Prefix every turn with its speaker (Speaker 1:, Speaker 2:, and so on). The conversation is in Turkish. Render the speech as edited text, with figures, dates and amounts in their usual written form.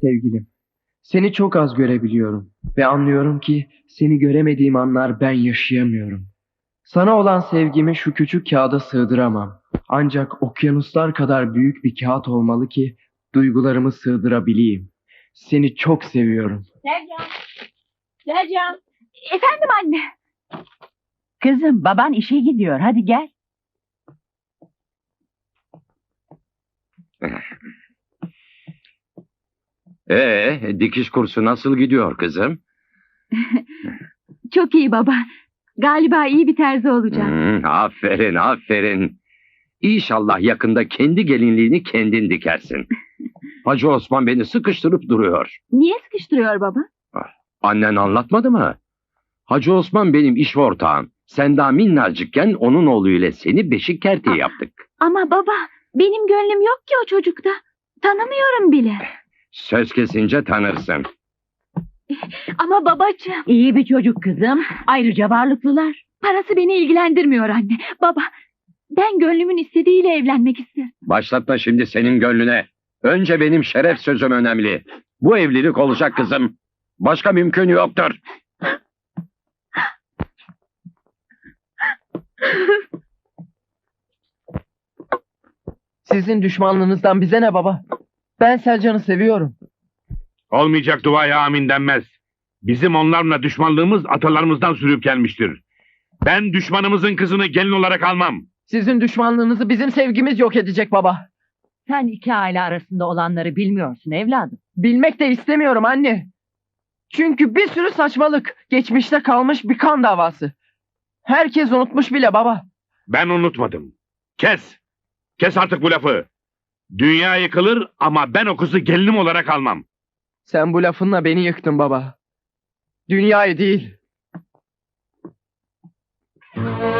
Speaker 1: Sevgilim, seni çok az görebiliyorum ve anlıyorum ki seni göremediğim anlar ben yaşayamıyorum. Sana olan sevgimi şu küçük kağıda sığdıramam. Ancak okyanuslar kadar büyük bir kağıt olmalı ki duygularımı sığdırabileyim. Seni çok seviyorum.
Speaker 2: Sercan. Sercan. Efendim anne.
Speaker 3: Kızım, baban işe gidiyor. Hadi gel.
Speaker 4: Dikiş kursu nasıl gidiyor kızım?
Speaker 2: Çok iyi baba. Galiba iyi bir terzi olacağım.
Speaker 4: Aferin, aferin. İnşallah yakında kendi gelinliğini kendin dikersin. Hacı Osman beni sıkıştırıp duruyor.
Speaker 2: Niye sıkıştırıyor baba?
Speaker 4: Annen anlatmadı mı? Hacı Osman benim iş ortağım. Sen daha minnacıkken onun oğluyla seni beşik kerteği yaptık.
Speaker 2: Ama baba, benim gönlüm yok ki o çocukta. Tanımıyorum bile.
Speaker 4: Söz kesince tanırsın.
Speaker 2: Ama babacığım,
Speaker 3: İyi bir çocuk kızım. Ayrıca varlıklılar.
Speaker 2: parası beni ilgilendirmiyor anne. Baba, ben gönlümün istediğiyle evlenmek isterim.
Speaker 4: Başlatma şimdi senin gönlüne. Önce benim şeref sözüm önemli. Bu evlilik olacak kızım. Başka mümkün yoktur.
Speaker 1: Sizin düşmanlığınızdan bize ne baba? Ben Selcan'ı seviyorum.
Speaker 5: Olmayacak duaya amin denmez. Bizim onlarla düşmanlığımız atalarımızdan sürüp gelmiştir. Ben düşmanımızın kızını gelin olarak almam.
Speaker 1: Sizin düşmanlığınızı bizim sevgimiz yok edecek baba.
Speaker 3: Sen iki aile arasında olanları bilmiyorsun evladım.
Speaker 1: Bilmek de istemiyorum anne. Çünkü bir sürü saçmalık. Geçmişte kalmış bir kan davası. Herkes unutmuş bile baba.
Speaker 5: Ben unutmadım. Kes. Kes artık bu lafı. Dünya yıkılır ama ben o kızı gelinim olarak almam.
Speaker 1: Sen bu lafınla beni yıktın baba. Dünyayı değil.